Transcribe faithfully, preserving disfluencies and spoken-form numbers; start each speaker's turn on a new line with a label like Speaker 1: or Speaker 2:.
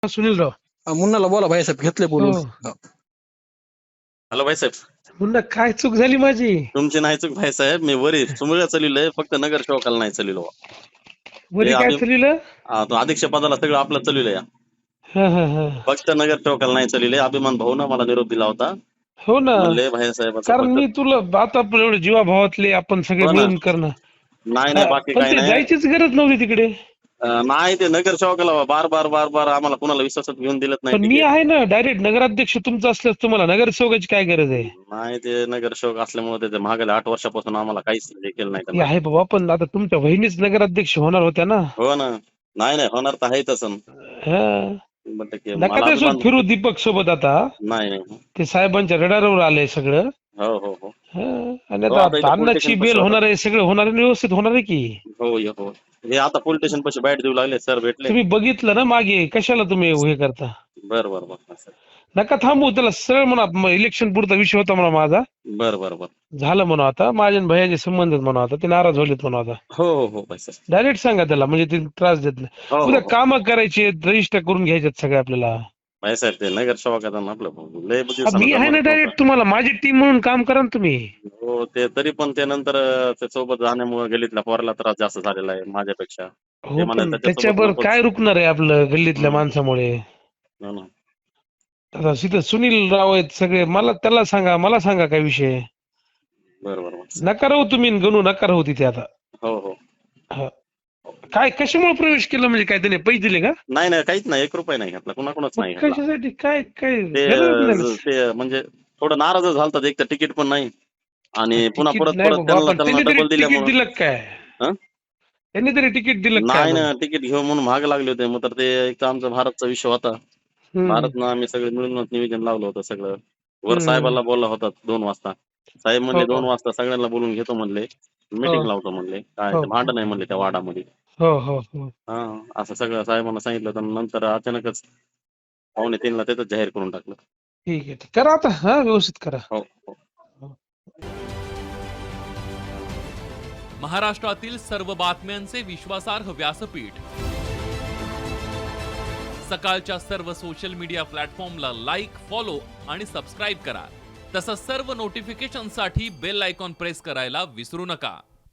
Speaker 1: सुनीलराव
Speaker 2: अ, मुन्नाला बोला भाईसाहेब, घेतले बोलून.
Speaker 1: हो.
Speaker 2: हो.
Speaker 3: हॅलो भाईसाहेब,
Speaker 1: मुन्ना काय चूक झाली माझी?
Speaker 3: तुमची नाही चूक भाईसाहेब. मी वरी चुमळ्या चलिलोय, फक्त नगर सेवकाला नाही चलिलो.
Speaker 1: वरी काय चलिलं?
Speaker 3: तो अध्यक्ष पदाला सगळं आपलं चलिलंय.
Speaker 1: हा हा हा
Speaker 3: फक्त नगर सेवकाला नाही चलिले. अभिमान भाऊ ना मला निरोप दिला होता,
Speaker 1: हो ना,
Speaker 3: म्हणले भाईसाहेब
Speaker 1: कारण मी तुला आता आपण एवढे जीवाभावातले आपण सगळे
Speaker 3: हो ना.
Speaker 1: मिळून करणं.
Speaker 3: नाही नाही बाकी
Speaker 1: पण
Speaker 3: काही
Speaker 1: ते
Speaker 3: नाही.
Speaker 1: जायचीच गरज नव्हती तिकडे.
Speaker 3: अं, नाही ते नगर सेवकाला बार बार बार बार आम्हाला कुणाला विश्वासात घेऊन दिलत नाही
Speaker 1: पण मी
Speaker 3: तिकीट.
Speaker 1: आहे ना, डायरेक्ट नगराध्यक्ष तुमचं असल्यास तुम्हाला नगरसेवकाची काय गरज आहे?
Speaker 3: नाही ते नगर सेवक असल्यामुळे ते मागल्या आठ वर्षापासून आम्हाला काहीच हे केलं नाही
Speaker 1: ते
Speaker 3: त्यांना.
Speaker 1: आहे बाबा, पण आता तुमच्या बहिणीच नगराध्यक्ष होणार होत्या ना.
Speaker 3: हो ना. नाही नाही होणार तर आहे तसं.
Speaker 1: हा.
Speaker 3: शंभर टक्के
Speaker 1: नका
Speaker 3: मला
Speaker 1: त्यासोबत
Speaker 3: अभिमान.
Speaker 1: फिरू दीपक सोबत आता.
Speaker 3: नाही नाही.
Speaker 1: ते साहेबांच्या रडारवर आलंय सगळं.
Speaker 3: हो हो हो
Speaker 1: हा. आणि
Speaker 3: हो, आता इथं
Speaker 1: आता
Speaker 3: पोलीस
Speaker 1: अन्नाची
Speaker 3: स्टेशन
Speaker 1: बेल
Speaker 3: पाशी
Speaker 1: होणार आहे, सगळं होणार आहे, व्यवस्थित होणार आहे की.
Speaker 3: हो ये हो. हे आता पोलीस स्टेशन पाशी बाईट देऊ लागले, सर भेटले.
Speaker 1: तुम्ही बघितलं ना मागे, कशाला तुम्ही हे करता?
Speaker 3: बर बर बर
Speaker 1: नका थांबू, त्याला सरळ म्हणा इलेक्शन पुरता विषय होता म्हणा माझा,
Speaker 3: बर बर बर
Speaker 1: झालं म्हणा आता, माझ्या आणि भैयाचे संबंध आहेत म्हणा आता, ते नाराज होलेत म्हणा आता.
Speaker 3: हो हो हो भाई सर.
Speaker 1: डायरेक्ट सांगा त्याला, म्हणजे ते त्रास देत नाही.
Speaker 3: हो
Speaker 1: उद्या
Speaker 3: हो
Speaker 1: काम करायचे, रजिस्टर करून घ्यायचे सगळे आपल्याला.
Speaker 3: भाई साहेब ते नगर सेवक आता ना आपलं लय बुद्धी
Speaker 1: हा, मी आहे ना डायरेक्ट, तुम्हाला माझी टीम म्हणून काम करा ना तुम्ही.
Speaker 3: हो ते तरी पण ते नंतर ते सोबत जाण्यामुळे गल्लीतल्या पोराला त्रास जास्त झालेला आहे माझ्यापेक्षा. ते
Speaker 1: हो,
Speaker 3: म्हणाले
Speaker 1: पण
Speaker 3: त्याच्यासोबत
Speaker 1: त्याच्यावर
Speaker 3: नकोच.
Speaker 1: काय रुकणार आहे आपलं गल्लीतल्या
Speaker 3: हम्म.
Speaker 1: माणसामुळे?
Speaker 3: हो ना.
Speaker 1: आता तिथं सुनील राव आहेत सगळे, मला त्याला सांगा, मला सांगा काय विषय.
Speaker 3: बर बर बर.
Speaker 1: नका राहू तुम्ही, गणू नका राहू तिथे आता.
Speaker 3: हो हो.
Speaker 1: हा. काय कशामुळे प्रवेश केला, म्हणजे काय त्याने पैसे दिले का?
Speaker 3: नाही नाही काहीच नाही, एक रुपया नाही घातला, कुणाकुणाच नाही घातला.
Speaker 1: कशासाठी काय काय
Speaker 3: ते
Speaker 1: गरज नाही.
Speaker 3: ते म्हणजे थोडं नाराज झालतात, एक तर तिकीट पण नाही आणि पुन्हा
Speaker 1: तिकीट
Speaker 3: परत
Speaker 1: नाही
Speaker 3: परत
Speaker 1: बाबा,
Speaker 3: त्यांना
Speaker 1: पण
Speaker 3: त्यांना
Speaker 1: त्यांनी तरी
Speaker 3: डबल
Speaker 1: तिकीट
Speaker 3: दिल्यामुळे.
Speaker 1: दिलं काय?
Speaker 3: हं?
Speaker 1: त्यांनी तरी तिकीट दिलं काय
Speaker 3: नाही ना,
Speaker 1: म्हणून?
Speaker 3: तिकीट घेऊ म्हणून महाग लागले होते. मग तर ते एक तर आमचा भारतचा विषय होता.
Speaker 1: हम्म.
Speaker 3: भारतनं आम्ही सगळे मिळूनच नियोजन लावलं होतं सगळं. वर
Speaker 1: हम्म.
Speaker 3: साहेबाला बोलला होता दोन वाजता. साहेब म्हणले
Speaker 1: हो
Speaker 3: दोन वाजता सगळ्यांना बोलून घेतो म्हणले, मीटिंग
Speaker 1: हो
Speaker 3: लावतो म्हणले. काय
Speaker 1: हो
Speaker 3: ते भांडण आहे म्हणले त्या वाडामध्ये.
Speaker 1: हो हो हो.
Speaker 3: हा असं सगळं साहेबांना सांगितलं, तर नंतर अचानकच पावणे तीनला त्याच जाहीर करून टाकलं.
Speaker 1: ठीक आहे, करा आता, हा व्यवस्थित करा.
Speaker 3: हो हो.
Speaker 4: महाराष्ट्रातील सर्व बातम्यांचे विश्वासार्ह व्यासपीठ, सकाळच्या सर्व सोशल मीडिया प्लॅटफॉर्मला लाईक, फॉलो आणि सबस्क्राईब करा. तसंच सर्व नोटिफिकेशनसाठी बेल आयकॉन प्रेस करायला विसरू नका.